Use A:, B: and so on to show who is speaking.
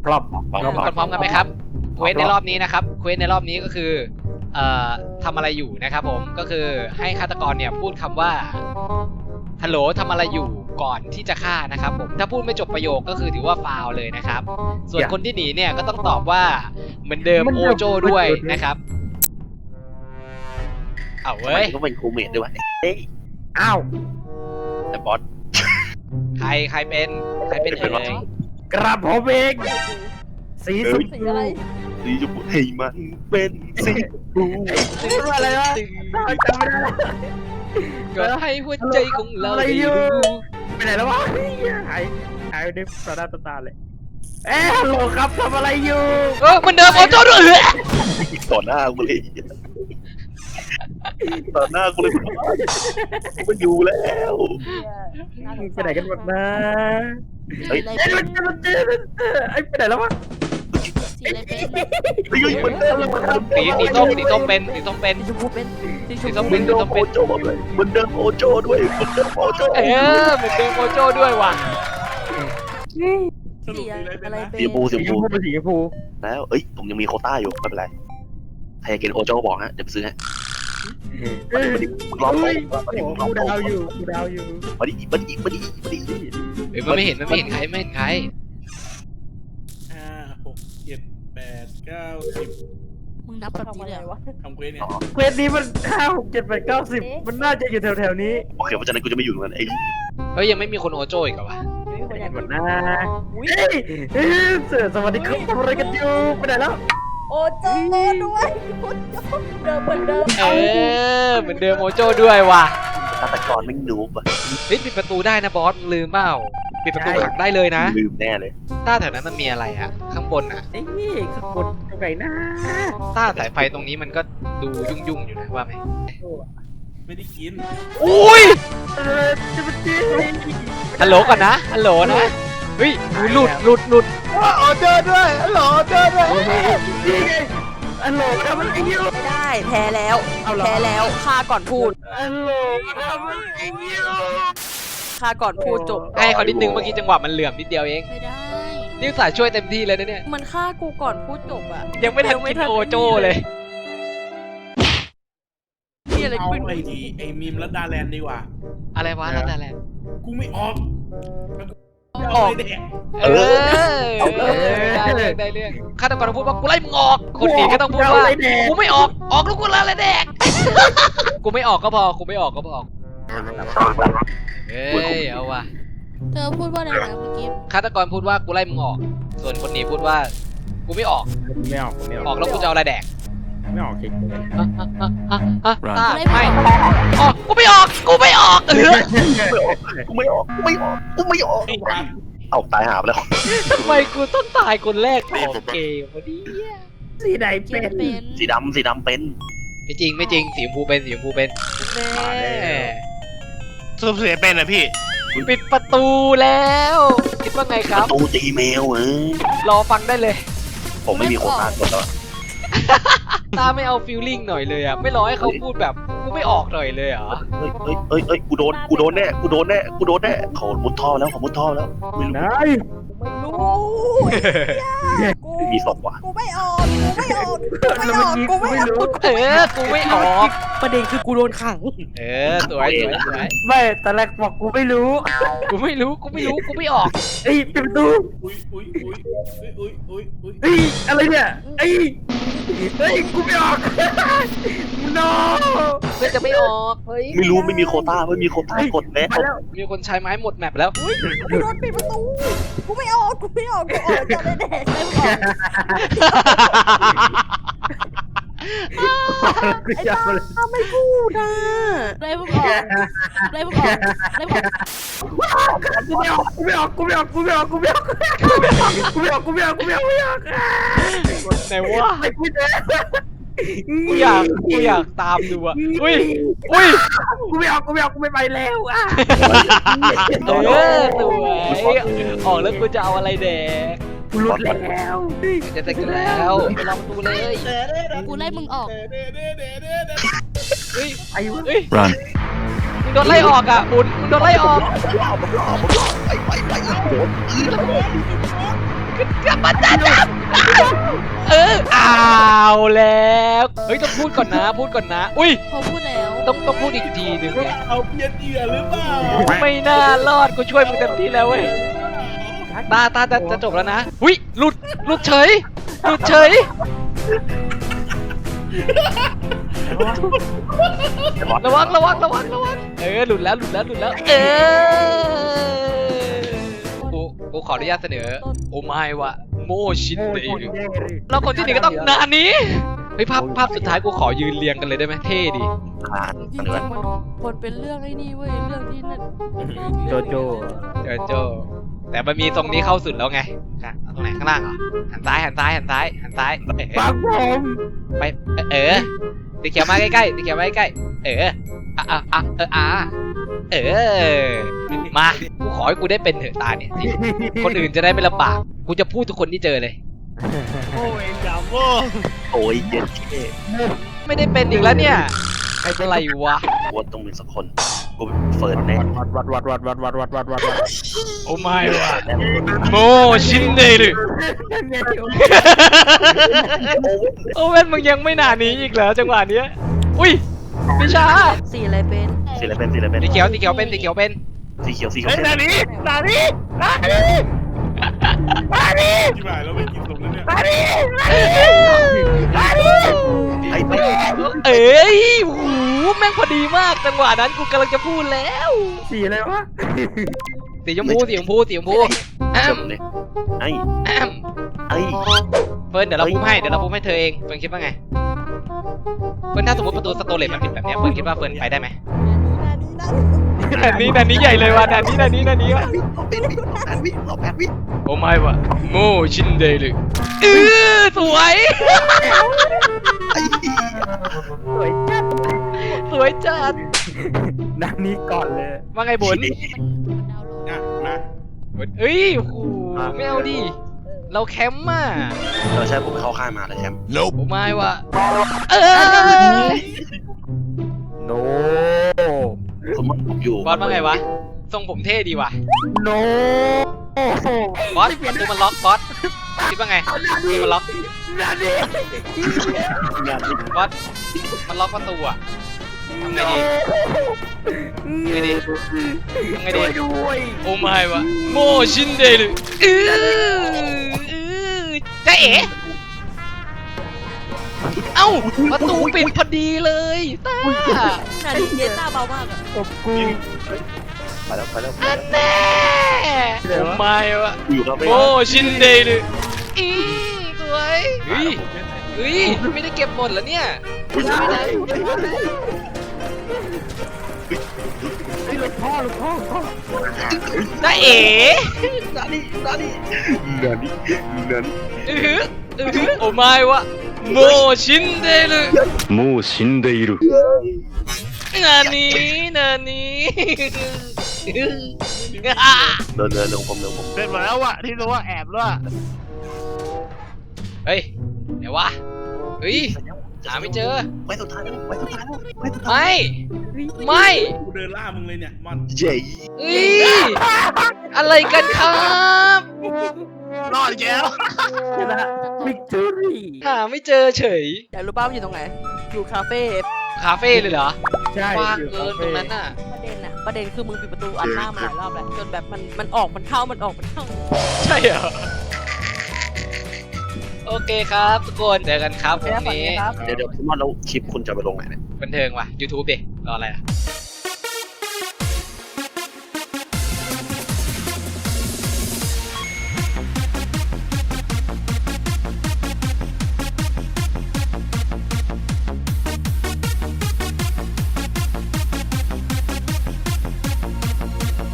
A: พร้อม
B: ทุกคนพร้อมกันไหมครับเควสในรอบนี้นะครับเควสในรอบนี้ก็คือทำอะไรอยู่นะครับผมก็คือให้ฆาตกรเนี่ยพูดคำว่าฮัลโหลทำอะไรอยู่ก่อนที่จะฆ่านะครับผมถ้าพูดไม่จบประโยคก็คือถือว่าฟาวเลยนะครับส่วนคนที่หนีเนี่ยก็ต้องตอบว่าเหมือนเดิมโอโจด้วยนะครับเอาเว้ย
C: ก็เป็นครูเมทด้วยวะเฮ้ย
A: อ้าว
C: แต่บอส
B: ใครเป็นเอ่ย
A: กระผมเองสีสุด
D: สีอะไร
C: สีชมพูให้มันเป็นสีชมพู
A: อะไรวะจำไม่ได้
B: ก็ให้หัวใจของเราได้รู้
A: ไปไหนแล้ววะหายไปในต่อหน้าต่อตาเลยฮัลโหลครับทำอะไรอยู่
B: เหมือนเดิมโอโจด้วย
C: ต่อหน้ากูเลยต่อหน้ากูเลยมันอยู่แล้ว
A: ไปไหนกันหมดนะ
D: สีอะไร
A: ไอ้
D: เป็น
A: มันไอ้ไปไหนแล้ววะ
D: สีอะไรเป็น
C: เฮ้ยเหมือนเดิม
B: สีส้มเป็น
D: สีชมพูเป็นสีชม
B: สี
D: พู
B: ส้ม
C: เหมือนเดิมโอโจ้ด้วยเหมือนเดิมโอโจ้ด้วยเหมือนเดิมโอโจ้
B: เหมือนเดิมโอโจด้วยว่ะ
D: สีอะไรเป็น
C: สีชมพูสีช
A: สี
C: ม
A: ช
C: พู
A: มพูเป็นสีชมพู
C: แล้วเอ้ยผมยังมีโควต้าอยู่ไม่เป็นไรใครอยากกินโอโจ้บอกฮะเดี๋ยวไปซื้อฮะมึงรอบสองมาดิมึงรอบ
A: กู
C: สอง
A: ดาวอยู่กูดาวอยู่
C: มาดิมาดิ
B: มันไม่เห็นใครไม่เห็นใคร
E: 5 6 7 8 9 10
D: มึงนับแบบนี้เลยเหรอวะ
E: ทำเควสเนี่ย
A: เควสนี้มัน5 6 7 8 9 10มันน่าจะอยู่แถวๆนี้
C: โอเคเพราะฉะนั้นกูจะไม่อยู่ตรงนั้นไอ้
B: เฮ้ยยังไม่มีคนโอโจอีกเหรอวะ
A: หมดนะเสือสวัสดีครับทำอะไรกันอยู่ไปไหนแล้ว
D: โอ้โจด้วยโอ้โจเดิมเหมือนเดิม
B: เหมือนเดิมโอโจด้วยว่ะ
C: ฆาตกรไม่นูบอ่ะ
B: เฮ้ยปิดประตูได้นะบอสลืมเปล่าปิดประตูขังได้เลยนะ
C: ลืมแน่เลย
B: ต้าแถวนั้นมันมีอะไรอะข้างบนอะ
A: ไอ้นี่ข้างบนตรงไหนนะ
B: ต้าสายไฟตรงนี้มันก็ดูยุ่งอยู่นะว่าไหม
E: ไม่ได้กิน
B: อุ้ย
A: จะเป็นจี
B: ฮัลโหลก่อนนะฮัลโหลนะเฮ้ยหลุดโอโจด้วยฮัลโหลโอโจด้วย
A: นี่ไงอัลโหลทำอะไรอยู่
D: ไม่ได้แพ้แล้วแพ้แล้วฆ่าก่อนพูด
A: อัลโหลทำอะไรอยู่
D: ฆ่าก่อนพูดจบ
B: ให้เขานิดนึงเมื่อกี้จังหวะมันเหลื่อมนิดเดียวเอง
D: ไม่ได้
B: นี่สายช่วยเต็มที่เลยนะเนี่ย
D: มันฆ่ากูก่อนพูดจบอะ
B: ยังไม่ทันกินโอโจเลย
D: นี่อะไร
E: เอา
D: ขึ้น
E: ไอ้มีมรัดดาแลนด์ดีกว่า
B: อะไรวะนั่นอะไร
E: กูไม่ออก
B: ออก
E: เด็ก
B: ได้เรื่องฆาตกรพูดว่ากูไล่มึงออกคนหนีก็ต้องพูดว่ากูไม่ออกแล้วกูละอะไรแดกกูไม่ออกก็พอกูไม่ออกก็พอเฮ้ยเอาว่ะ
D: เธอพูดว่าอะไรนะเมื่อกี้
B: ฆาตกรพูดว่ากูไล่มึงออกส่วนคนหนีพูดว่ากูไม่ออก
A: ไม่ออกไม่อ
B: อ
A: อ
B: อก กแล้วกูจะเอาอะไรแดก
A: ไม่ออกคิด
B: ไม่ออกกูไม่ออกกูไม่ออก
C: กูไม่ออก
E: ไอ้ปั๊บ
C: เอาตายหาไปแล้ว
B: ทำไมกูต้องตายคนแรกของเกมวะเนี่ย
A: สีไหน
D: เก
A: เป็
D: ม
A: น
D: เป็น
C: สีดำเป็น
B: ไม่จริงสีชมพูเป็นแน่
F: สรุปเสียเป็นนะพี่
B: ปิดประตูแล้วคิดว่าไงครับ
C: ตูตีแมว
B: รอฟังได้เลย
C: ผมไม่มีโควต้ากดแล้ว
B: ตาไม่เอาฟีลลิ่งหน่อยเลยอ่ะไม่รอให้เขาพูดแบบกูไม่ออกหน่อยเลยเหรอ
C: เฮ้ยกูโดนแน่เขามุดท่อแล้วไม่รู้
A: นาย
D: ไม่รู้
C: มีศพว่ะ
D: กูไม่ออกกูไม่ออกกูไม่ออก
B: กูไม่ออก
D: ประเด็นคือกูโดนขัง
B: สวย
A: ไม่แต่แรกบอกกูไม่รู้
B: กูไม่ออก
A: เอ้ยปิดประตู
E: อุ้ย
A: เฮ้ยอะไรเนี่ยเฮ้ยกูไม่ออก no
B: เพื่อจะไม่ออกเฮ้ย
C: ไม่รู้ไม่มีโควต้ากดแล้ว
A: มาแล้ว
B: มีคนใช้ไม้หมดแมปแล้ว
D: กูโดนปิดประตูกูไม่ออกกูออกจะได้แดกไม่ออก
A: กูจะเอาเลย
D: ทำไมกูนะได้มึงออกได้มึงออกได้มึงออก
A: กูไม่ออกกูไม่ออก
B: ไหนวะ
A: ไม่กูจะ
B: กูอยากตามดูอ่ะอุ้ย
A: กูไม่ออกกูไม่ไปแล้วอ่ะ
B: สวยออกแล้วกูจะเอาอะไรแดก
A: กูหลุดแล้ว
B: จะแต่กันแล้วไปลองประตูเลย
D: กูไล่มึงออก
B: เฮ้ย
A: ไอ้วะ
B: เฮ้ยมึงโดนไล่ออกอ่ะบุญมึงโดนไล่ออก
C: ไป
B: กลับมาจับเอาแล้วเฮ้ยต้องพูดก่อนนะพูดก่อนนะอุ้ย
D: เขาพูดแล้ว
B: ต้องพูดอีกทีหนึ่งไง
E: เอาเพี้ยนเหยื่อหรือเปล่า
B: ไม่น่ารอดกูช่วยมึงเต็มที่แล้วเว้ยตาจะจบแล้วนะอุ้ยหลุดเฉยระวังหลุดแล้วกูขออนุญาตเสนอโอไมวะโมชินเดรุแล้วคนที่หนึ่งก็ต้องนานี้เฮ้ยภาพสุดท้ายกูขอยืนเรียงกันเลยได้ไหมเท่ดี
D: จริงๆมันเป็นเรื่องไอ้นี่เว้ยเรื่องที่นั่น
A: โจโจ
B: โจแต่มันมีตรงนี้เข้าสุดแล้วไงเอาตรงไหนข้างล่างเหรอหันซ้าย
A: ฟังผม
B: ไปตีเขียวมาใกล้ๆตีเขียวมาใกล้มากูขอให้กูได้เป็นเถอะตาเนี่ยคนอื่นจะได้ไม่ลำบากกูจะพูดทุกคนที่เจอเลย
F: โอ้ยดาโม่
C: โอ้ยเย็นเท่
B: ไม่ได้เป็นอีกแล้วเนี่ยอะไรวะ
C: กูต้องมีสักคนกูเฟิร์นแน่
A: วัด
B: โอ้ไม่วะโมชินเดรุโอเว่นมึงยังไม่หนานี้อีกเหรอจังหวะเนี้ยอุ้ยพิชา
D: สีอะไรเป็น
C: สีอะไรเป็น
B: สีเขียวเป็น
C: สีเขียว
F: เฮ้ยนานี้
E: ที่บ่ายเราไม่กินตรงนั้นเนี่ย
C: ไอ้
B: เอ้ยโอ้โหแม่งพอดีมากจังหวะนั้นกูกำลังจะพูดแล้ว
A: สีอะไรวะ
B: สีชมพูแอม
C: เลยไอ้
B: แอม
C: ไอ้
B: เฟิร์นเดี๋ยวเราพูดให้เธอเองเฟิร์นคิดว่าไงเฟิร์นถ้าสมมติประตูสโตเลตมันปิดแบบเนี้ยเฟิร์นคิดว่าเฟิร์นไปได้ไหมด่านนี้ใหญ่เลยว่ะด่านนี้ว่ะ
C: 8 วิ
B: โอ้ไม่วะโมชินเดรุสวย สวยจัด
A: นักนี้ก่อนเลย
B: ว่าไงบุญ
E: นะมา
B: เอ้ยโอ้โหไม่เอาดิเราแคมป์อ่ะ
C: ใช่ผมเข้าค่ายมาเลยแชมป์
B: โอ้ไม่วะ
A: โน
C: ผมอยู่
B: บอสว่าไงวะทรงผมเท่ดีว่ะ
A: โน
B: บอสประตูมันล็อกบอสคิดว่าไงประตูมันล็อก
A: นาดี
B: บอสมันล็อกประตูอ่ะทำไงดี
A: ด้วย
B: โอ้ไม่วะโมชินเดรุจ๊ะเอ๋เอ้าประตูปิดพอดีเลยตา
D: นาดีเยต้าเบามากอะ
A: ตบกู
C: ไปแล้ว
B: อันแน่โอ้ไม่วะ
C: อยู่กับ
B: โมชินเดรุสวยเฮ้ยไม่ได้เก็บหมดแล้วเนี่ยไม่ได้
A: หลุดพ่อ
B: จ๊ะเอ๋
C: นานี่
B: โอ้ไม่วะโมชินเดรุ
G: もう死んでいる。
B: นานี้
C: เดินผม
F: เป็นหมดแล้วอะที่รู้ว่าแอบแล้วอะ
B: เฮ้ยเดี๋ยววะเฮ้ยหาไม่เจอ
C: ไว้สุดท้าย
B: ไม่
E: กูเดินล่ามึงเลยเนี่ยมอน
C: เย้
B: เฮ้ยอะไรกันครับ
F: รอดอีกแล้ว
A: ชนะวิกตอรี่
B: หาไม่เจอเฉย
D: อยากรู้ป้ามันอยู่ตรงไหนอยู่คาเฟ่
B: คาเฟ่เลยเหรอ
A: ใช่
B: กว้างเกินตรงนั้นน่ะ
D: ประเด็นคือมึงปิดประตูอัดหน้ามาหลายรอบแล้วจนแบบมันออกมันเข้า
B: ใช่เหรอโอเคครับทุกคนเจอกันครับวันนี้
C: เดี๋ยวพี่มอนแล้วคลิปคุณจะไปลงไหนเนี่ย
B: บันเทิงว่ะ YouTube ดิรออะไรอ่ะ